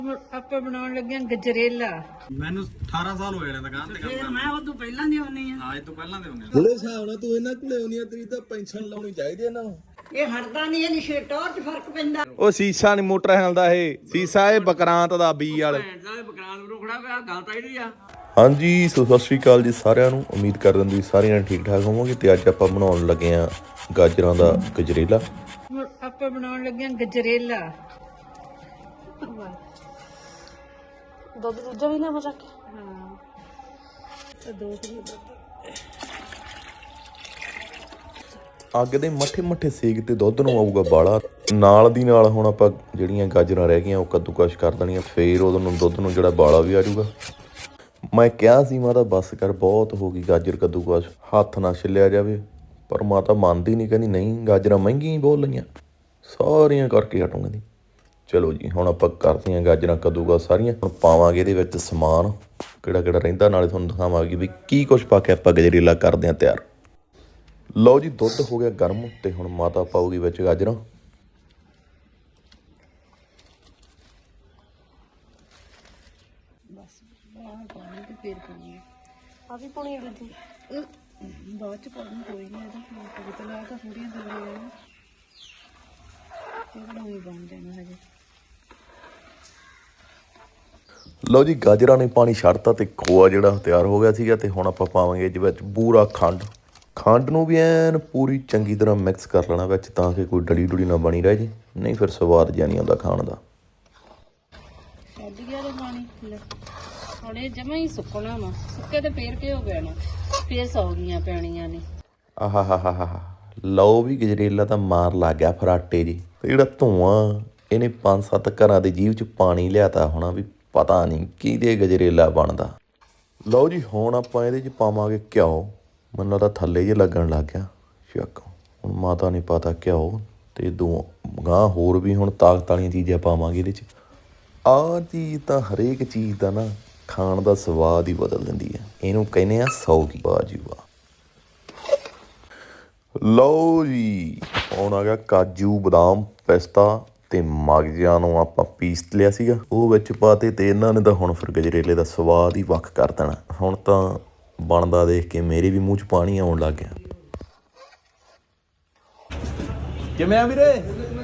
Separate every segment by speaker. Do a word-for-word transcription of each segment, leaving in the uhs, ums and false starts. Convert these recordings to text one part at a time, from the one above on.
Speaker 1: ਆਪਾਂ ਬਣਾਉਣ ਲੱਗੇ ਆਂ ਗਜਰੇਲਾ।
Speaker 2: ਮੈਨੂੰ ਅਠਾਰਾਂ ਸਾਲ ਹੋਏ ਨੇ ਦੁਕਾਨ ਤੇ ਕੰਮ
Speaker 1: ਫਿਰ ਮੈਂ ਉਹ ਤੋਂ ਪਹਿਲਾਂ ਦੀ ਹੁੰਨੀ ਆ।
Speaker 2: ਹਾਂ ਇਹ ਤੋਂ ਪਹਿਲਾਂ ਦੇ ਹੁੰਦੇ
Speaker 3: ਜਿਹੜੇ ਹਿਸਾਬ ਨਾਲ ਤੂੰ ਇਹਨਾਂ ਕੋਲੇ ਆਉਣੀ ਆ ਤੇਰੀ ਤਾਂ ਪੈਨਸ਼ਨ ਲਾਉਣੀ ਚਾਹੀਦੀ ਇਹਨਾਂ ਨੂੰ।
Speaker 1: ਇਹ ਹਟਦਾ ਨਹੀਂ, ਇਹਦੀ ਸ਼ੇਟੋਰ 'ਚ ਫਰਕ ਪੈਂਦਾ।
Speaker 3: ਉਹ ਸੀਸਾ ਨਹੀਂ ਮੋਟਰਸਾਈਕਲ ਦਾ, ਇਹ ਸੀਸਾ ਇਹ ਬਕਰਾਂਤ ਦਾ ਬੀ ਵਾਲੇ।
Speaker 1: ਬਕਰਾਨ ਨੂੰ ਖੜਾ ਪਿਆ ਗੱਲ ਤਾਂ ਇਹਦੀ ਆ।
Speaker 3: ਹਾਂਜੀ ਸੋ ਸਤਿ ਸ਼੍ਰੀ ਅਕਾਲ ਜੀ ਸਾਰਿਆਂ ਨੂੰ। ਉਮੀਦ ਕਰਦੇ ਹਾਂ ਤੁਸੀਂ ਸਾਰਿਆਂ ਠੀਕ ਠਾਕ ਹੋਵੋਗੇ। ਤੇ ਅੱਜ ਆਪਾਂ ਬਣਾਉਣ ਲੱਗੇ ਆ ਗਾਜਰਾਂ ਦਾ ਗਜਰੇਲਾ।
Speaker 1: ਆਪਾਂ ਬਣਾਉਣ ਲੱਗੇ ਆਂ ਗਜਰੇਲਾ।
Speaker 4: ਦੁੱਧ ਦੂਜਾ ਵੀ ਨਾ ਹੋ ਸਕੇ।
Speaker 1: ਹਾਂ ਤੇ ਦੋ ਕਿਲੋ ਦੁੱਧ।
Speaker 3: ਅੱਗ ਦੇ ਮੱਠੇ ਮੱਠੇ ਸੇਕ ਤੇ ਦੁੱਧ ਨੂੰ ਆਊਗਾ ਬਾਲਾ। ਨਾਲ ਦੀ ਨਾਲ ਹੁਣ ਆਪਾਂ ਜਿਹੜੀਆਂ ਗਾਜਰਾਂ ਰਹਿ ਗਈਆਂ ਉਹ ਕੱਦੂਕਸ਼ ਕਰ ਦੇਣੀਆਂ। ਫੇਰ ਉਹਨੂੰ ਨੂੰ ਦੁੱਧ ਨੂੰ ਜਿਹੜਾ ਬਾਲਾ ਵੀ ਆ ਜਾਊਗਾ। ਮੈਂ ਕਿਹਾ ਸੀ ਮਾਤਾ ਬਸ ਕਰ, ਬਹੁਤ ਹੋ ਗਈ ਗਾਜਰ ਕੱਦੂਕਸ਼, ਹੱਥ ਨਾ ਛਿੱਲਿਆ ਜਾਵੇ। ਪਰ ਮਾਤਾ ਮੰਨਦੀ ਨਹੀਂ, ਕਹਿੰਦੀ ਨਹੀਂ ਗਾਜਰਾਂ ਮਹਿੰਗੀਆਂ ਹੀ ਬੋਲ ਲਈਆਂ, ਸਾਰੀਆਂ ਕਰਕੇ ਹਟੂੰਗਾ ਦੀ। ਚਲੋ ਜੀ ਹੁਣ ਆਪਾਂ ਕਰਦੇ ਹਾਂ ਗਾਜਰਾਂ ਕੱਦੂਕਸ਼ ਸਾਰੀਆਂ। ਹੁਣ ਪਾਵਾਂਗੇ ਇਹਦੇ ਵਿੱਚ ਸਮਾਨ ਕਿਹੜਾ ਕਿਹੜਾ ਰਹਿੰਦਾ, ਨਾਲੇ ਤੁਹਾਨੂੰ ਦਿਖਾਵਾਂਗੇ ਵੀ ਕੀ ਕੁਛ ਪਾ ਕੇ ਆਪਾਂ ਗਜਰੇਲਾ ਕਰਦੇ ਹਾਂ ਤਿਆਰ। ਲਓ ਜੀ ਦੁੱਧ ਹੋ ਗਿਆ ਗਰਮ ਤੇ ਹੁਣ ਮਾਤਾ ਪਾਊਗੀ ਵਿੱਚ ਗਾਜਰਾਂ।
Speaker 1: ਫੇਰ ਪਾਣੀ
Speaker 4: ਆ ਵੀ ਪੁਣੀ ਦੂਜੀ
Speaker 1: ਬਾਅਦ ਚ ਪਾਣੀ ਕੋਈ ਨਹੀਂ, ਇਹਦਾ ਪਤਾ ਲਾ ਤਾਂ ਥੋੜੀਆਂ ਦਲੀਆਂ ਇਹ ਬਣਾਉਣੀ ਬਣ ਜਾਣਾ ਹਜੇ।
Speaker 3: ਲਓ ਜੀ ਗਾਜਰਾਂ ਨੇ ਪਾਣੀ ਛੱਡਤਾ ਤੇ ਖੋਆ ਜਿਹੜਾ ਤਿਆਰ ਹੋ ਗਿਆ ਸੀਗਾ। ਤੇ ਹੁਣ ਆਪਾਂ ਪਾਵਾਂਗੇ ਇਹਦੇ ਵਿੱਚ ਪੂਰਾ ਖੰਡ। ਖੰਡ ਨੂੰ ਵੀ ਐਨ ਪੂਰੀ ਚੰਗੀ ਤਰ੍ਹਾਂ ਮਿਕਸ ਕਰ ਲੈਣਾ ਵਿੱਚ, ਤਾਂ ਕਿ ਕੋਈ ਡਲੀ ਡੁਲੀ ਨਾ ਬਣੀ ਰਹਿ ਜੇ, ਨਹੀਂ ਫਿਰ ਸਵਾਦ ਜਿਹਾ ਨਹੀਂ ਆਉਂਦਾ ਖਾਣ ਦਾ।
Speaker 1: ਛੱਡ ਗਿਆ ਤੇ ਪਾਣੀ ਲੈ ਹੁਣ ਇਹ ਜਮਾ ਹੀ ਸੁੱਕਣਾ ਵਾ। ਸੁੱਕੇ ਤੇ ਫੇਰ ਕੀ ਹੋ ਗਿਆ ਨਾ, ਫੇਰ ਸੌ ਗਈਆਂ ਪੈਣੀਆਂ ਨੇ।
Speaker 3: ਆਹਾ ਹਾ ਹਾ ਹਾ ਲਓ ਵੀ ਗਜਰੇਲਾ ਤਾਂ ਮਾਰ ਲੱਗ ਗਿਆ ਫਰਾਟੇ ਜੀ। ਤੇ ਜਿਹੜਾ ਧੂੰਆਂ ਇਹਨੇ ਪੰਜ ਸੱਤ ਘਰਾਂ ਦੇ ਜੀਭ 'ਚ ਪਾਣੀ ਲਿਆਤਾ ਹੋਣਾ, ਵੀ ਪਤਾ ਨਹੀਂ ਕਿਹਦੇ ਗਜਰੇਲਾ ਬਣਦਾ। ਲਓ ਜੀ ਹੁਣ ਆਪਾਂ ਇਹਦੇ 'ਚ ਪਾਵਾਂਗੇ ਘਿਓ। ਮੈਨੂੰ ਤਾਂ ਥੱਲੇ ਜਿਹੇ ਲੱਗਣ ਲੱਗ ਗਿਆ ਸ਼ੱਕ। ਹੁਣ ਮਾਤਾ ਨੇ ਪਤਾ ਘਿਓ ਤੇ ਦੋ ਗਾਂ ਹੋਰ ਵੀ ਹੁਣ ਤਾਕਤ ਵਾਲੀਆਂ ਚੀਜ਼ਾਂ ਪਾਵਾਂਗੇ ਇਹਦੇ 'ਚ। ਆਹ ਚੀਜ਼ ਤਾਂ ਹਰੇਕ ਚੀਜ਼ ਦਾ ਨਾ ਖਾਣ ਦਾ ਸਵਾਦ ਹੀ ਬਦਲ ਦਿੰਦੀ ਹੈ। ਇਹਨੂੰ ਕਹਿੰਦੇ ਆ ਸੌਗੀ। ਵਾਹ ਜੀ ਵਾਹ। ਲਓ ਜੀ ਹੁਣ ਆ ਗਿਆ ਕਾਜੂ ਬਦਾਮ ਪਿਸਤਾ ਤੇ ਮਗਜ਼ਾਂ ਨੂੰ ਆਪਾਂ ਪੀਸ ਲਿਆ ਸੀਗਾ, ਉਹ ਵਿੱਚ ਪਾਤੇ। ਤੇ ਇਹਨਾਂ ਨੇ ਤਾਂ ਹੁਣ ਫਿਰ ਗਜਰੇਲੇ ਦਾ ਸਵਾਦ ਹੀ ਵੱਖ ਕਰ ਦੇਣਾ। ਹੁਣ ਤਾਂ ਬਣਦਾ ਦੇਖ ਕੇ ਮੇਰੇ ਵੀ ਮੂੰਹ 'ਚ ਪਾਣੀ ਆਉਣ ਲੱਗ ਗਿਆ। ਕਿਵੇਂ ਆ ਵੀਰੇ?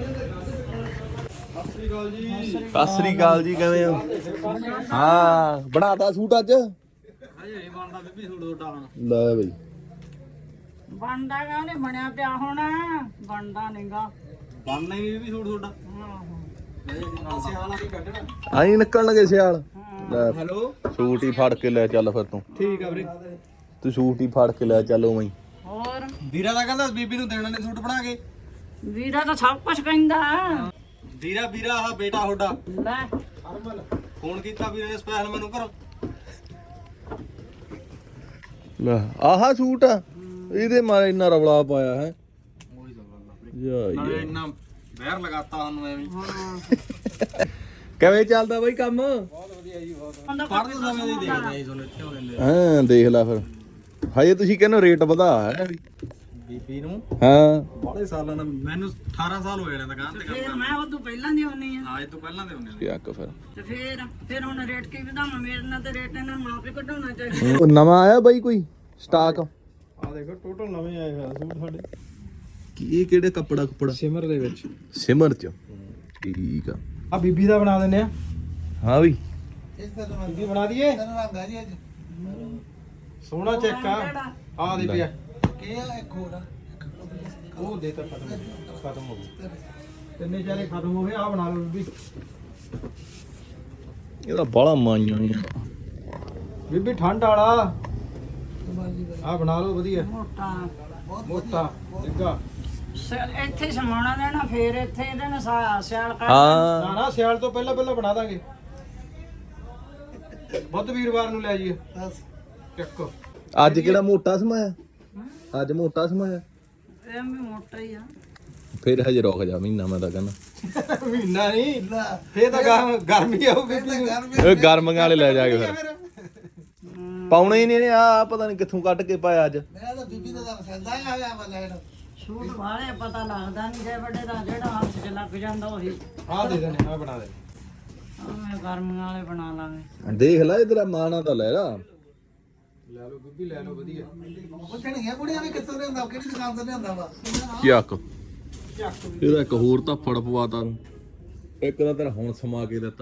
Speaker 3: ਸਤਿ ਸ੍ਰੀ ਅਕਾਲ ਜੀ, ਕਿਵੇਂ ਹੋ? ਹਾਂ ਬਣਾਤਾ ਸੂਟ ਅੱਜ?
Speaker 2: ਹਜੇ ਬਣਦਾ ਬੀਬੀ ਸੂਟ ਤੁਹਾਡਾ ਹੁਣ।
Speaker 3: ਲੈ ਬਈ
Speaker 1: ਬਣਦਾ ਗਾ, ਉਹਨੇ ਬਣਿਆ ਪਿਆ ਹੋਣਾ, ਬਣਦਾ ਨਹੀਂਗਾ।
Speaker 2: ਬਣਨਾ ਹੀ ਬੀਬੀ ਸੂਟ ਤੁਹਾਡਾ। ਸਿਆਲ ਆ ਕੇ ਕੱਢਣਾ।
Speaker 3: ਆਈ ਨਿਕਲਣ ਲੱਗੇ ਸਿਆਲ। ਲੈ
Speaker 2: ਹੈਲੋ
Speaker 3: ਸੂਟ ਹੀ ਫੜ ਕੇ ਲੈ ਚੱਲ ਫਿਰ ਤੂੰ।
Speaker 2: ਠੀਕ ਆ ਵੀਰੇ।
Speaker 3: ਤੂੰ ਸੂਟ ਹੀ ਫੜ ਕੇ ਲੈ ਚੱਲ ਉਵੇਂ ਹੀ।
Speaker 1: ਹੋਰ
Speaker 2: ਵੀਰਾ ਦਾ ਕਹਿੰਦਾ ਬੀਬੀ ਨੂੰ ਦੇਣਾ ਨੇ ਸੂਟ ਬਣਾ ਕੇ।
Speaker 1: ਵੀਰਾ ਤਾਂ ਸਭ ਕੁਝ ਕਹਿੰਦਾ।
Speaker 2: ਵੀਰਾ ਵੀਰਾ ਆਹ ਬੇਟਾ ਤੁਹਾਡਾ
Speaker 1: ਲੈ
Speaker 2: ਹਰਮਨ ਫੋਨ ਕੀਤਾ ਵੀਰੇ ਨੇ ਸਪੈਸ਼ਲ ਮੈਨੂੰ ਘਰੋਂ।
Speaker 3: ਲੈ ਆਹਾ ਸੂਟ ਆ, ਇਹਦੇ ਮਾਰੇ ਇੰਨਾ ਰੌਲਾ ਪਾਇਆ ਹੈ।
Speaker 2: ਉਹੀ ਤਾਂ ਗੱਲ ਆ
Speaker 3: ਯਾ
Speaker 2: ਨਾਲੇ ਇੰਨਾ ਵਹਿਰ ਲਗਾਤਾ ਸਾਨੂੰ ਐਵੇਂ।
Speaker 3: ਕਿਵੇਂ ਚੱਲਦਾ ਬਈ ਕੰਮ?
Speaker 2: ਬਹੁਤ ਵਧੀਆ ਜੀ, ਬਹੁਤ ਪੜ੍ਹਦੇ ਸਮੇਂ ਦੀ ਦੇਖਦੇ ਆ ਜੀ ਤੁਹਾਨੂੰ ਇੱਥੇ ਹੋ ਲੈਂਦੇ।
Speaker 3: ਹਾਂ ਦੇਖ ਲੈ ਫਿਰ। ਹਜੇ ਤੁਸੀਂ ਕਹਿੰਦੇ ਰੇਟ ਵਧਾ ਹੈ ਵੀ
Speaker 2: ਬੀਬੀ ਨੂੰ
Speaker 3: ਹਾਂ
Speaker 2: ਬੜੇ ਸਾਲਾਂ ਦਾ, ਮੈਨੂੰ ਅਠਾਰਾਂ ਸਾਲ ਹੋਏ ਨੇ ਦੁਕਾਨ ਤੇ ਕੰਮ
Speaker 1: ਫੇਰ
Speaker 2: ਕਰਦੇ।
Speaker 1: ਮੈਂ ਉਹ ਤੋਂ ਪਹਿਲਾਂ ਦੀ ਹੁੰਨੀ ਆ।
Speaker 2: ਹਾਂ ਇਹ ਤੋਂ ਪਹਿਲਾਂ ਦੇ ਹੁੰਦੇ ਨੇ।
Speaker 3: ਕਿਆ ਫਿਰ
Speaker 1: ਤੇ ਫੇਰ ਫੇਰ ਹੁਣ ਰੇਟ ਕੀ ਵਧਾਵਾਂ? ਮੇਰੇ ਨਾਲ ਤੇ ਰੇਟ ਇਹਨਾਂ ਨੂੰ ਆਪੇ ਘਟਾਉਣਾ ਚਾਹੀਦਾ।
Speaker 3: ਉਹ ਨਵਾਂ ਆਇਆ ਬਾਈ ਕੋਈ ਸਟਾਕ?
Speaker 2: ਆ ਦੇਖੋ ਟੋਟਲ ਨਵੇਂ ਆਏ ਹੋਏ ਸੂਟ ਸਾਡੇ।
Speaker 3: ਕੀ ਇਹ ਕਿਹੜੇ ਕੱਪੜਾ ਕੁਪੜਾ?
Speaker 2: ਸਿਮਰ ਦੇ ਵਿੱਚ।
Speaker 3: ਸਿਮਰ ਚ ਠੀਕ ਆ।
Speaker 2: ਆ ਬੀਬੀ ਦਾ ਬਣਾ ਦਿੰਦੇ ਆ।
Speaker 3: ਹਾਂ ਬਈ
Speaker 2: ਬੀਬੀ ਬਣਾ ਦਈਏ। ਸੋਹਣਾ ਚੈੱਕ ਆ। ਆ ਦੇ ਪਿਆ ਕੀ ਆ ਇੱਕ ਹੋਰ ਉਹ ਦੇ ਤਾਂ ਖਤਮ ਖਤਮ ਹੋ ਗਈ। ਤਿੰਨੇ ਚਾਰੇ ਖਤਮ ਹੋ ਗਏ। ਆ ਬਣਾ ਲਓ ਬੀਬੀ।
Speaker 3: ਇਹਦਾ ਬਾਲਾ ਮਾਈਆਂ ਨਹੀਂ।
Speaker 2: ਬੀਬੀ ਠੰਡ ਵਾਲਾ ਆ ਬਣਾ ਲਓ ਵਧੀਆ
Speaker 1: ਮੋਟਾ
Speaker 2: ਮੋਟਾ ਡਿੱਗਾ।
Speaker 1: ਸਿਆਲ ਇੱਥੇ ਸਮਾਉਣਾ ਦੇਣਾ, ਫੇਰ ਇੱਥੇ ਇਹਦੇ ਨਾਲ ਸਾ- ਸਿਆਲ ਕਰ
Speaker 3: ਹਾਂ
Speaker 2: ਨਾ ਨਾ ਸਿਆਲ ਤੋਂ ਪਹਿਲਾਂ ਪਹਿਲਾਂ ਬਣਾ ਦਾਂਗੇ। ਬੁੱਧ ਵੀਰਵਾਰ ਨੂੰ ਲੈ ਜਾਈਏ। ਚੱਕ
Speaker 3: ਅੱਜ ਕਿਹੜਾ ਮੋਟਾ ਸਮਾਇਆ? ਅੱਜ ਮੋਟਾ ਸਮਾਇਆ?
Speaker 1: ਇਹ ਵੀ ਮੋਟਾ ਹੀ ਆ।
Speaker 3: ਫਿਰ ਹਜੇ ਰੁਕ ਜਾ ਮਹੀਨਾ, ਮੈਂ ਤਾਂ ਕਹਿੰਦਾ
Speaker 2: ਮਹੀਨਾ ਨਹੀਂ ਫੇਰ ਤਾਂ ਗਰਮ ਗਰਮੀ ਆਊਗੀ।
Speaker 3: ਇਹ ਗਰਮੀਆਂ ਵਾਲੇ ਲੈ ਜਾਗੇ ਫਿਰ। ਪਾਉਣੇ ਹੀ ਨਹੀਂ ਆ, ਪਤਾ ਨਹੀਂ ਕਿੱਥੋਂ ਕੱਢ ਕੇ ਪਾਇਆ ਅੱਜ।
Speaker 5: ਮੈਂ ਤਾਂ ਬੀਬੀ ਦਾ ਪਸੰਦ ਆਇਆ ਹੋਇਆ ਵਾ ਲੈਣ।
Speaker 1: ਸੂਟ ਵਾਲੇ ਪਤਾ ਲੱਗਦਾ ਨਹੀਂ, ਜੇ ਵੱਡੇ ਦਾ ਜਿਹੜਾ ਹੱਥ 'ਚ ਲੱਗ ਜਾਂਦਾ ਉਹੀ।
Speaker 2: ਆ ਦੇ ਦੇਣੇ ਆ ਬਣਾ ਦੇ।
Speaker 1: ਮੈਂ ਗਰਮੀਆਂ ਵਾਲੇ ਬਣਾ ਲਾਂਗੇ।
Speaker 3: ਦੇਖ ਲੈ ਤੇਰਾ ਮਾਣਾ ਤਾਂ ਲੈ ਲਾ।
Speaker 2: ਲੈ ਲਓ ਬੀਬੀ ਲੈ ਲਓ ਵਧੀਆ।
Speaker 5: ਪੁੱਛਣਗੀਆਂ ਕੁੜੀਆਂ ਵੀ ਕਿੱਥੋਂ ਲਿਆਂਦਾ ਕਿਹੜੀ ਦੁਕਾਨ ਤੋਂ ਲਿਆਂਦਾ ਵਾ
Speaker 3: ਚੱਕ ਇਹਦਾ ਇੱਕ ਹੋਰ ਤਾਂ ਫੜ ਪਵਾਤਾ ਨੂੰ ਇੱਕ ਤਾਂ ਤੇਰਾ ਹੁਣ ਸਮਾ ਕੇ ਦਿੱਤਾ।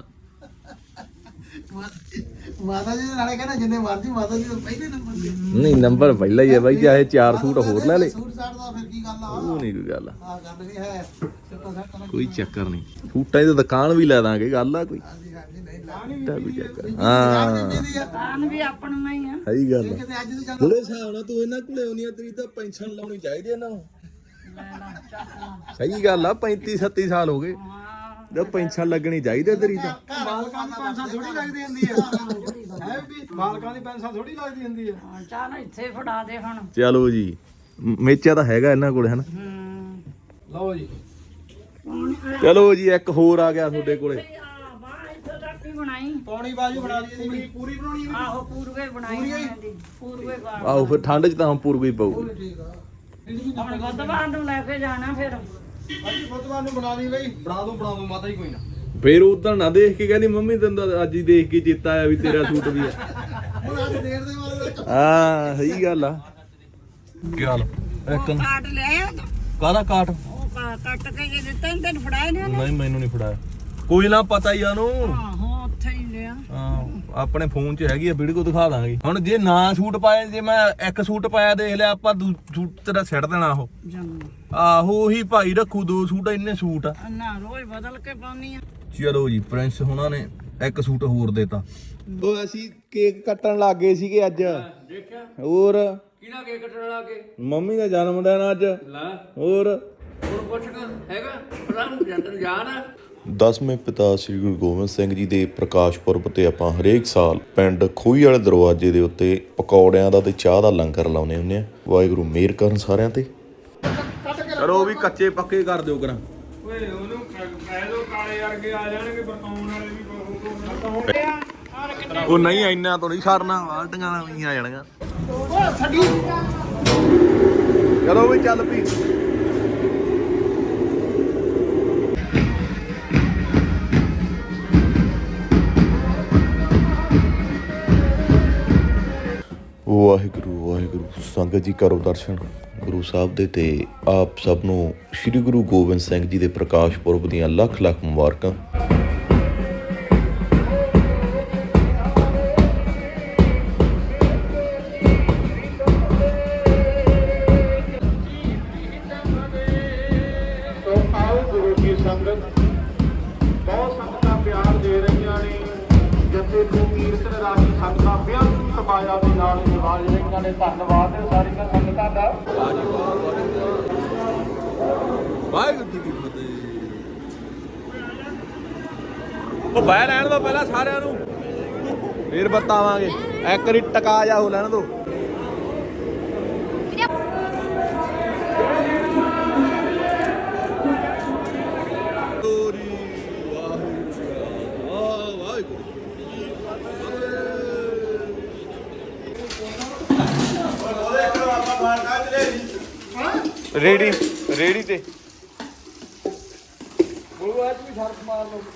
Speaker 5: ਮਾਤਾ ਜੀ ਦੇ ਨਾਲੇ ਕਹਿੰਦਾ ਜਿੰਨੇ ਮਰਜੀ ਮਾਤਾ ਜੀ ਤੋਂ ਪਹਿਲੇ ਨੰਬਰ ਤੇ
Speaker 3: ਨਹੀਂ ਨੰਬਰ ਪਹਿਲਾਂ ਹੀ ਹੈ ਬਾਈ, ਚਾਹੇ ਚਾਰ ਸੂਟ ਹੋਰ ਲੈ ਲੈ,
Speaker 5: ਸੂਟ ਸਾਟ ਦਾ ਫਿਰ ਕੀ ਗੱਲ ਆ
Speaker 3: ਉਹ ਨਹੀਂ ਕੋਈ ਗੱਲ।
Speaker 5: ਆ ਗੱਲ ਵੀ ਹੈ ਸਿੱਟਾ ਸਾਟਾ ਨਾਲ
Speaker 3: ਕੋਈ ਚੱਕਰ ਨਹੀਂ, ਸੂਟਾਂ ਦੀ ਤਾਂ ਦੁਕਾਨ ਵੀ ਲੈ ਦਾਂਗੇ, ਗੱਲ ਆ ਕੋਈ
Speaker 5: ਹਾਂਜੀ ਹਾਂਜੀ ਨਹੀਂ ਲਾਣੀ
Speaker 3: ਤਾਂ ਕੋਈ ਚੱਕਰ ਹਾਂ
Speaker 1: ਦੁਕਾਨ ਵੀ ਆਪਣਾ ਹੀ ਆ।
Speaker 3: ਸਹੀ ਗੱਲ ਆ।
Speaker 5: ਕਿਤੇ ਅੱਜ ਤੋਂ ਜਾਂਦਾ
Speaker 3: ਥੋੜੇ ਹਿਸਾਬ ਨਾਲ ਤੂੰ ਇਹਨਾਂ ਕੋਲੇ ਆਉਣੀ ਆ, ਤੇਰੀ ਤਾਂ ਪੈਨਸ਼ਨ ਲਾਉਣੀ ਚਾਹੀਦੀ ਇਹਨਾਂ ਨੂੰ। ਸਹੀ ਗੱਲ ਆ, ਪੈਂਤੀ ਛੱਤੀ ਸਾਲ ਹੋ ਗਏ ਤੇ ਪੈਨਸ਼ਨ ਲੱਗਣੀ ਚਾਹੀਦੀ ਤੇਰੀ ਤਾਂ।
Speaker 2: ਮਾਲਕਾਂ ਦੀ ਪੈਨਸ਼ਨ ਥੋੜੀ ਲੱਗਦੀ ਹੁੰਦੀ ਹੈ ਹੈ ਵੀ ਮਾਲਕਾਂ ਦੀ ਪੈਨਸ਼ਨ ਥੋੜੀ ਲੱਗਦੀ ਹੁੰਦੀ ਹੈ।
Speaker 1: ਚੱਲ ਇੱਥੇ ਫੜਾ ਦੇ ਹੁਣ।
Speaker 3: ਚਲੋ ਜੀ, ਮ- ਮੇਚਾ ਤਾਂ ਹੈਗਾ ਇਹਨਾਂ ਕੋਲੇ ਹਨਾ।
Speaker 1: ਹੂੰ
Speaker 2: ਲਓ ਜੀ
Speaker 3: ਚਲੋ ਜੀ, ਇੱਕ ਹੋਰ ਆ ਗਿਆ ਤੁਹਾਡੇ ਕੋਲੇ।
Speaker 1: ਆ ਬਾਹਰ ਇੱਥੇ ਤੱਕ ਹੀ ਬਣਾਈ।
Speaker 2: ਪੌਣੀ ਬਾਜੂ ਬਣਾ ਲਈ ਇਹਦੀ ਪੂਰੀ ਬਣਾਉਣੀ ਹੈ।
Speaker 1: ਆਹੋ ਪੂਰਵੇ ਬਣਾਈ ਜਾਂਦੀ ਪੂਰਵੇ ਬਾਹਰ।
Speaker 3: ਆਹੋ ਫਿਰ ਠੰਡ 'ਚ ਤਾਂ ਹੁਣ ਪੂਰ ਗਈ ਪਊਗੀ।
Speaker 5: ਠੀਕ ਆ
Speaker 1: ਹੁਣ ਬੁੱਧਵਾਰ ਨੂੰ ਲੈ ਕੇ ਜਾਣਾ ਫਿਰ।
Speaker 2: ਅੱਜ ਬੁੱਧਵਾਰ ਨੂੰ ਬਣਾ ਲਈ ਬਈ, ਬਣਾ ਦੋ ਬਣਾ ਦੋ ਮਾਤਾ ਹੀ ਕੋਈ ਨਾ।
Speaker 3: ਫੇਰ ਉਦੋਂ ਨਾ ਦੇਖ ਕੇ ਕਹਿੰਦੀ ਮੰਮੀ ਤੈਨੂੰ ਤਾਂ ਅੱਜ ਹੀ ਦੇਖ ਕੇ ਚੇਤਾ ਆਇਆ ਵੀ ਤੇਰਾ ਸੂਟ ਵੀ ਆ।
Speaker 5: ਹੁਣ ਅੱਜ ਦੇਰ ਦੇ ਬਾਅਦ
Speaker 3: ਹਾਂ ਸਹੀ ਗੱਲ ਆ। ਚੱਲ ਇੱਕ
Speaker 1: ਕਾਟ ਲਿਆ
Speaker 3: ਕਾਹਦਾ ਕਾਟ?
Speaker 1: ਉਹ ਕਾ- ਕੱਟ ਕੇ ਜੇ ਦਿੱਤਾ ਨੀ ਤੈਨੂੰ ਫੜਾਇਆ ਨੀ ਉਹਨੇ?
Speaker 3: ਨਹੀਂ ਮੈਨੂੰ ਨਹੀਂ ਫੜਾਇਆ, ਕੋਈ ਨਾ ਪਤਾ ਹੀ ਆ ਉਹਨੂੰ।
Speaker 1: ਆਹੋ ਉੱਥੇ ਹੀ ਲਿਆ।
Speaker 3: ਹਾਂ ਆਪਣੇ ਫੋਨ 'ਚ ਹੈਗੀ ਆ, ਵੀਡੀਓ ਦਿਖਾ ਦਾਂਗੇ। ਹੁਣ ਜੇ ਨਾ ਸੂਟ ਪਾਏ, ਜੇ ਮੈਂ ਇੱਕ ਸੂਟ ਪਾਇਆ ਦੇਖ ਲਿਆ ਆਪਾਂ, ਦੂ ਸੂਟ ਤੇਰਾ ਸਿੱਟ ਦੇਣਾ ਉਹ।
Speaker 1: ਜੰਮ
Speaker 3: ਆਹੋ ਉਹੀ ਭਾਈ ਰੱਖੂ ਦੋ ਸੂਟ, ਇੰਨੇ ਸੂਟ ਆ।
Speaker 1: ਨਾ ਰੋਜ਼ ਬਦਲ ਕੇ ਪਾਉਣੀ ਆ।
Speaker 3: ਚਲੋ ਜੀ, ਪ੍ਰਿੰਸ ਹੁਣਾਂ ਨੇ ਇੱਕ ਸੂਟ ਹੋਰ ਦੇਤਾ। ਉਹ ਅਸੀਂ ਕੇਕ ਕੱਟਣ ਲੱਗ ਗਏ ਸੀਗੇ ਅੱਜ।
Speaker 2: ਦੇਖਿਆ
Speaker 3: ਹੋਰ
Speaker 2: ਕਿਹਦਾ ਕੇਕ ਕੱਟਣ ਲਾ ਕੇ?
Speaker 3: ਮੰਮੀ ਦਾ ਜਨਮ ਦਿਨ ਅੱਜ।
Speaker 2: ਲੈ
Speaker 3: ਹੋਰ
Speaker 2: ਹੁਣ ਪੁੱਛ ਕੇ ਹੈਗਾ ਪਤਾ ਨੂੰ ਜੰਦਨ ਜਾਣ ਆ।
Speaker 3: ਦਸਵੇਂ ਪਿਤਾ ਸ੍ਰੀ ਗੁਰੂ ਗੋਬਿੰਦ ਸਿੰਘ ਜੀ ਦੇ ਪ੍ਰਕਾਸ਼ ਪੁਰਬ ਤੇ ਆਪਾਂ ਹਰੇਕ ਸਾਲ ਪਿੰਡ ਖੂਹੀ ਵਾਲੇ ਦਰਵਾਜ਼ੇ ਦੇ ਉੱਤੇ ਪਕੌੜਿਆਂ ਦਾ ਤੇ ਚਾਹ ਦਾ ਲੰਗਰ ਲਾਉਂਦੇ ਹੁੰਦੇ ਆ। ਵਾਹਿਗੁਰੂ ਮਿਹਰ ਕਰਨ ਸਾਰਿਆਂ ਤੇ। ਚਲੋ ਵੀ ਕੱਚੇ ਪੱਕੇ ਕਰ ਦਿਓ ਕਰਾਂ।
Speaker 2: ਓਏ ਉਹਨੂੰ ਕਹਿ ਦੋ ਕਾਲੇ ਵਰਗੇ ਆ ਜਾਣਗੇ, ਬਰਤਾਉਣ ਵਾਲੇ ਵੀ ਬਰਤਾਉਣ।
Speaker 3: ਉਹ ਨਹੀਂ ਇੰਨਾ ਤੋਂ ਨਹੀਂ ਸਰਨਾ, ਬਾਲਟੀਆਂ ਵੀ ਆ ਜਾਣਗੀਆਂ। ਚਲੋ ਵੀ ਚੱਲ ਪੀ। ਵਾਹਿਗੁਰੂ ਵਾਹਿਗੁਰੂ। ਸੰਗਤ ਜੀ ਕਰੋ ਦਰਸ਼ਨ ਗੁਰੂ ਸਾਹਿਬ ਦੇ ਤੇ ਆਪ ਸਭ ਨੂੰ ਸ੍ਰੀ ਗੁਰੂ ਗੋਬਿੰਦ ਸਿੰਘ ਜੀ ਦੇ ਪ੍ਰਕਾਸ਼ ਪੁਰਬ ਦੀਆਂ ਲੱਖ ਲੱਖ ਮੁਬਾਰਕਾਂ।
Speaker 2: ਸੋ ਆਓ ਗੁਰੂ ਕੀ ਸੰਗਤ, ਬਹੁਤ ਸੰਗਤਾਂ ਪਿਆਰ ਦੇ ਰਹੀਆਂ ਨੇ। ਜੱਥੇ ਨੂੰ ਕੀਰਤਨ ਰਾਹੀਂ ਸੰਗਤਾਂ ਬਿਆਨ ਸਮਾਇਆ ਦੇ ਨਾਲ ਨਿਵਾਜ ਰਹੀਆਂ ਨੇ। ਧੰਨਵਾਦ ਹੈ ਸਾਰੀਆਂ ਸੰਗਤਾਂ ਦਾ।
Speaker 3: ਵਾਹਿਗੁਰੂ ਜੀ ਕੀ ਫਤਿਹ। ਉਹ ਬਹਿ ਲੈਣ ਦੋ ਪਹਿਲਾਂ ਸਾਰਿਆਂ ਨੂੰ, ਫੇਰ ਬਤਾਵਾਂਗੇ। ਇੱਕ ਵਾਰੀ ਟਕਾ ਜਾ ਹੋ ਲੈਣ ਦੋ। ਰੇੜੀ ਰੇੜੀ ਤੇ
Speaker 2: ਉਹ ਅੱਜ ਵੀ ਸ਼ਰਤ ਮਾਰ ਲਓ।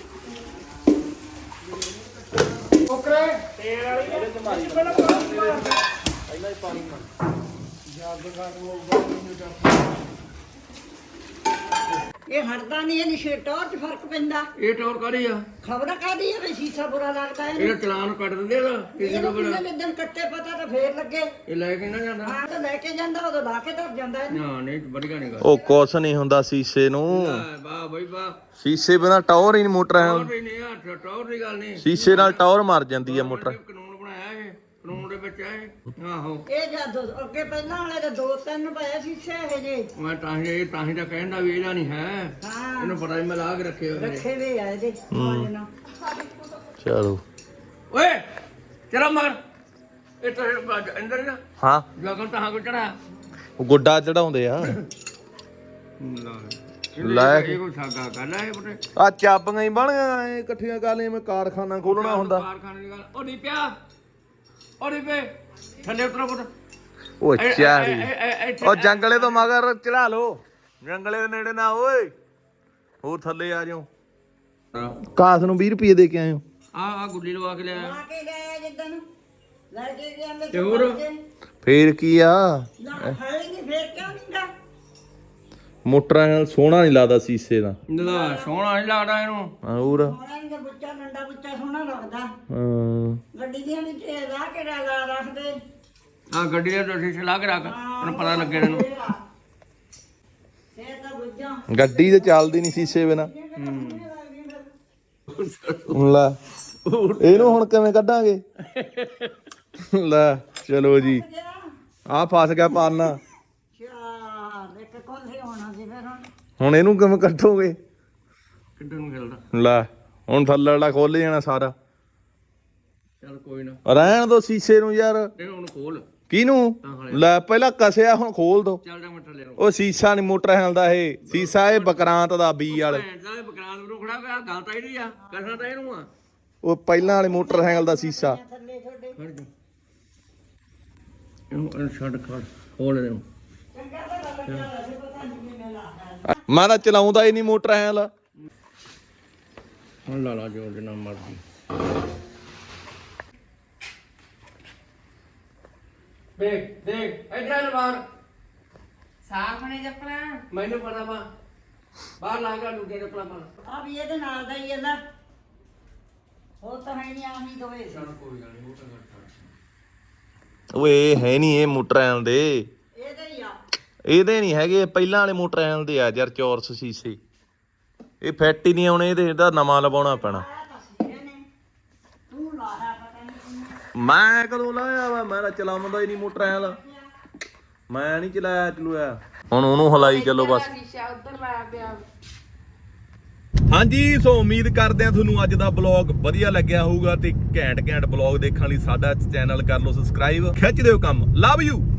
Speaker 2: ਓਕਰੇ ਤੇਲ ਵਾਲੀ ਇਹਦੇ ਚ ਮਾਰੀ ਪਹਿਲਾਂ ਹੀ ਪਾਣੀ ਮਾਰ ਜੱਗ ਘਾਟ ਉਹ
Speaker 6: ਇਹ ਹਟਦਾ ਨਹੀਂ, ਇਹਦੀ ਸ਼ੇਟੋਰ ਚ ਫਰਕ ਪੈਂਦਾ।
Speaker 2: ਇਹ ਟੌਰ ਕਰੀ ਆ,
Speaker 6: ਖਬਰ ਕਾਦੀ ਹੈ ਵੀ ਸ਼ੀਸ਼ਾ ਬੁਰਾ ਲੱਗਦਾ ਇਹਨੂੰ।
Speaker 2: ਇਹਦਾ ਚਲਾਨ ਕੱਟ ਦਿੰਦੇ ਆ ਕਿਸੇ
Speaker 6: ਇਹਨੂੰ
Speaker 2: ਨੂੰ ਬੜਾ।
Speaker 6: ਕਿੰਨੇ ਦਿਨ ਕੱਟੇ ਪਤਾ ਤਾਂ ਫੇਰ ਲੱਗੇ।
Speaker 2: ਇਹ ਲੈ ਕੇ ਨਾ ਜਾਂਦਾ।
Speaker 6: ਹਾਂ ਤਾਂ ਲੈ ਕੇ ਜਾਂਦਾ, ਉਦੋਂ ਲਾ ਕੇ ਧਰ ਜਾਂਦਾ ਇਹਨੂੰ।
Speaker 2: ਨਾ ਨਹੀਂ ਵਧੀਆ ਨਹੀਂ ਗੱਲ।
Speaker 3: ਉਹ ਕੁਛ ਨਹੀਂ ਹੁੰਦਾ ਸ਼ੀਸ਼ੇ ਨੂੰ,
Speaker 2: ਵਾਹ ਬਈ ਵਾਹ।
Speaker 3: ਸ਼ੀਸ਼ੇ ਬਿਨਾ ਟਾਵਰ ਹੀ ਨਹੀਂ ਮੋਟਰ ਹੈ।
Speaker 2: ਟੌਰ ਹੀ ਨਹੀਂ ਆ, ਟੌਰ ਦੀ ਗੱਲ ਨਹੀਂ।
Speaker 3: ਸ਼ੀਸ਼ੇ ਨਾਲ ਟਾਵਰ ਮਰ ਜਾਂਦੀ ਹੈ ਮੋਟਰ।
Speaker 2: ਕਾਨੂੰਨ ਬਣਾਇਆ ਇਹ, ਕਾਨੂੰਨ ਦੇ ਵਿੱਚ ਆ ਇਹ। ਆਹੋ
Speaker 6: ਇਹ ਜਦ ਅੱਗੇ ਪਹਿਲਾਂ ਵਾਲੇ ਦੇ ਦੋ ਤਿੰਨ ਪਏ ਸ਼ੀਸ਼ੇ ਇਹ ਜੇ
Speaker 2: ਮੈਂ ਤਾਂ ਹੀ ਇਹ ਤਾਂ ਹੀ ਤਾਂ ਕਹਿੰਦਾ ਵੀ ਇਹਦਾ ਨਹੀਂ ਹੈ।
Speaker 6: ਹਾਂ
Speaker 2: ਇਹਨੂੰ ਪਤਾ ਹੀ ਮੈਂ ਲਾ ਕੇ ਰੱਖੇ ਹੋਏ ਨੇ।
Speaker 6: ਰੱਖੇ ਵੀ ਆ ਇਹਦੇ ਆਵਾਜ਼ ਨਾਲ।
Speaker 3: ਚਲੋ
Speaker 2: ਓਏ ਚਲਾ ਮਗਰ ਇਹ ਤਾਂ ਅੰਦਰ ਨਾ
Speaker 3: ਹਾਂ,
Speaker 2: ਜਗਨ ਤਾਂ ਕੋ ਚੜਾ
Speaker 3: ਉਹ ਗੁੱਡਾ ਚੜਾਉਂਦੇ ਆ। ਲੈ
Speaker 2: ਇਹ ਕੋਈ ਸਾਗਾ ਗੱਲ ਹੈ ਬਟੇ
Speaker 3: ਆ ਚਾਬੀਆਂ ਹੀ ਬਣ ਗਈਆਂ ਐ ਇਕੱਠੀਆਂ ਕਰ ਲਈਆਂ, ਮੈਂ ਕਾਰਖਾਨਾ ਖੋਲਣਾ ਹੁੰਦਾ।
Speaker 2: ਕਾਰਖਾਨੇ ਦੀ ਗੱਲ ਉਹ ਨਹੀਂ ਪਿਆ ਉਹ ਨਹੀਂ ਪਏ ਥੱਲੇ ਉਤਰੋ ਪੁੱਤ।
Speaker 3: ਉਹ
Speaker 2: ਇਹ-
Speaker 3: ਚਾਰੀ
Speaker 2: ਇਹ- ਇਹ- ਇਹ-
Speaker 3: ਉਹ ਜੰਗਲੇ ਤੋਂ ਮਗਰ ਚੜਾ ਲੋ, ਜੰਗਲੇ ਦੇ ਨੇੜੇ ਨਾ ਓਏ, ਹੋਰ ਥੱਲੇ ਆ ਜਾਓ। ਕਾਸ ਨੂੰ ਵੀਹ ਰੁਪਏ ਦੇ ਕੇ ਆਏ ਹੋ।
Speaker 7: ਆ ਆ ਗੁੱਡੀ ਲਵਾ ਕੇ ਲਿਆ
Speaker 6: ਆ ਕੇ ਗਏ ਜਿੱਦਣ ਲੈ ਕੇ ਗਿਆ ਮੈਂ
Speaker 7: ਤੇ ਹੋਰ?
Speaker 3: ਫੇਰ ਕੀ ਆ,
Speaker 6: ਨਾ ਹੈ ਨਹੀਂ ਫੇਰ ਕਿਉਂ ਨਹੀਂ ਗਾ
Speaker 3: ਮੋਟਰਾਂ ਨਾਲ ਸੋਹਣਾ ਨਹੀਂ ਲੱਗਦਾ ਸੀਸੇ ਦਾ।
Speaker 7: ਨਾ ਸੋਹਣਾ ਨਹੀਂ ਲੱਗਦਾ ਇਹਨੂੰ।
Speaker 3: ਹੋਰ
Speaker 6: ਉਹਨਾਂ ਦਾ ਬੱਚਾ ਡੰਡਾ ਬੱਚਾ ਸੋਹਣਾ ਲੱਗਦਾ
Speaker 3: ਹਾਂ
Speaker 6: ਗੱਡੀ ਦੀਆਂ ਵਿੱਚ ਲਾ ਕੇ ਲਾ ਰੱਖਦੇ
Speaker 7: ਆ ਗੱਡੀ ਦੇ ਤੁਸੀਂ ਚਲਾ ਕੇ ਰੱਖ ਤੈਨੂੰ ਪਤਾ ਲੱਗੇ ਇਹਨੂੰ।
Speaker 6: ਫੇਰ ਤਾਂ ਬੁੱਝਾਂ
Speaker 3: ਗੱਡੀ ਤੇ ਚੱਲਦੀ ਨਹੀਂ ਸੀਸੇ ਬਿਨਾ। ਲੈ ਇਹਨੂੰ ਹੁਣ ਕਿਵੇਂ ਕੱਢਾਂਗੇ? ਲੈ ਚਲੋ ਜੀ, ਆ ਫਸ ਗਿਆ ਪਾਨਾ।
Speaker 6: ਚਾਰ ਇੱਕ ਕੋਲੇ ਹੋਣਾ ਸੀ ਫਿਰ ਹੁਣ
Speaker 3: ਹੁਣ ਇਹਨੂੰ ਕਿਵੇਂ ਕੱਢੋਗੇ?
Speaker 7: ਕਿੱਧਰ ਨੂੰ ਖੇਲਦਾ?
Speaker 3: ਲੈ ਹੁਣ ਥੱਲੇ ਵਾਲਾ ਖੋਲ ਜਾਣਾ ਸਾਰਾ।
Speaker 7: ਚੱਲ ਕੋਈ ਨਾ
Speaker 3: ਰਹਿਣ ਦੋ ਸੀਸੇ ਨੂੰ ਯਾਰ।
Speaker 7: ਇਹਨੂੰ ਹੁਣ ਖੋਲ।
Speaker 3: ਕਿਹਨੂੰ? ਲੈ ਪਹਿਲਾਂ ਕਸਿਆ, ਹੁਣ ਖੋਲ ਦੋ।
Speaker 7: ਚੱਲ ਜਾ ਮਟਰ ਲੈ ਲਓ।
Speaker 3: ਉਹ ਸੀਸਾ ਨਹੀਂ ਮੋਟਰ ਹੈਲਦਾ, ਇਹ ਸੀਸਾ ਇਹ ਬਕਰਾਂਤ ਦਾ ਬੀ ਵਾਲੇ।
Speaker 7: ਭੈਣ ਦਾ ਬਕਰਾਨ ਨੂੰ ਖੜਾ ਕਰ ਗੱਲ ਤਾਂ ਇਹਦੀ ਆ, ਕਰਨਾ ਤਾਂ ਇਹਨੂੰ ਆ।
Speaker 3: ਉਹ ਪਹਿਲਾਂ ਵਾਲੇ ਮੋਟਰ ਹੈਲ ਦਾ ਸੀਸਾ।
Speaker 7: ਖੜ ਜਾ ਇਹਨੂੰ ਇਹਨੂੰ ਛੱਡ ਖੜ ਖੋਲ ਇਹਨੂੰ।
Speaker 3: ਮੈਂ ਤਾਂ ਚਲਾਉਂਦਾ ਹੀ ਨਹੀਂ ਮੋਟਰ ਹੈਲ।
Speaker 7: ਹੁਣ ਲਾ ਲਾ ਜੋ ਜਿੰਨਾ ਮਰਜ਼ੀ। ਦੇਖ ਦੇਖ ਇੱਧਰ ਬਾਹਰ
Speaker 1: ਸਾਫ ਨੇ ਜੱਪਣਾ।
Speaker 7: ਮੈਨੂੰ ਪਤਾ ਵਾ ਬਾਹਰ ਲਾ ਕੇ ਦੂਜੇ ਚੱਪਲਾਂ ਪਾ।
Speaker 6: ਆ ਵੀ ਇਹਦੇ ਨਾਲ ਦਾ ਹੀ ਇਹਦਾ ਉਹ ਤਾਂ ਹੈ ਨਹੀਂ ਆਹੀ ਦੋਵੇਂ ਸੀ।
Speaker 7: ਕੋਈ ਗੱਲ ਨਹੀਂ ਉਹ ਤਾਂ
Speaker 3: ਓਏ ਹੈ ਨਹੀਂ ਇਹ ਮੋਟਰ ਹੈਲ ਦੇ,
Speaker 6: ਇਹਦੇ ਹੀ ਆ
Speaker 3: ਇਹਦੇ ਨਹੀਂ ਹੈਗੇ, ਪਹਿਲਾਂ ਵਾਲੇ ਮੋਟਰ ਹੈਲ ਦੇ ਆ ਯਾਰ, ਚੌਰਸ ਸੀਸੇ। ਇਹ ਫਿੱਟ ਹੀ ਨਹੀਂ ਆਉਣੇ, ਇਹਦੇ ਇਹਦਾ ਨਵਾਂ ਲਵਾਉਣਾ ਪੈਣਾ।
Speaker 6: ਤੂੰ ਲਾਇਆ ਪਤਾ ਨਹੀਂ
Speaker 3: ਮੈਂ ਕਦੋਂ ਲਾਇਆ ਵਾ? ਮੈਂ ਤਾਂ ਚਲਾਉਂਦਾ ਹੀ ਨਹੀਂ ਮੋਟਰ ਹੈਲ, ਮੈਂ ਨਹੀਂ ਚਲਾਇਆ ਚਲੂਆ। ਹੁਣ ਉਹਨੂੰ ਹਲਾਈ ਚੱਲੋ ਬਸ।
Speaker 1: ਸ਼ੀਸ਼ਾ ਉੱਧਰ ਲਾਇਆ ਪਿਆ।
Speaker 3: ਹਾਂਜੀ, ਸੋ ਉਮੀਦ ਕਰਦੇ ਆ ਤੁਹਾਨੂੰ ਅੱਜ ਦਾ ਬਲੌਗ ਵਧੀਆ ਲੱਗਿਆ ਹੋਊਗਾ, ਤੇ ਘੈਂਟ ਘੈਂਟ ਬਲੌਗ ਦੇਖਣ ਲਈ ਸਾਡਾ ਚੈਨਲ ਕਰ ਲਓ ਸਬਸਕ੍ਰਾਈਬ। ਖਿੱਚ ਦਿਓ ਕੰਮ। Love you.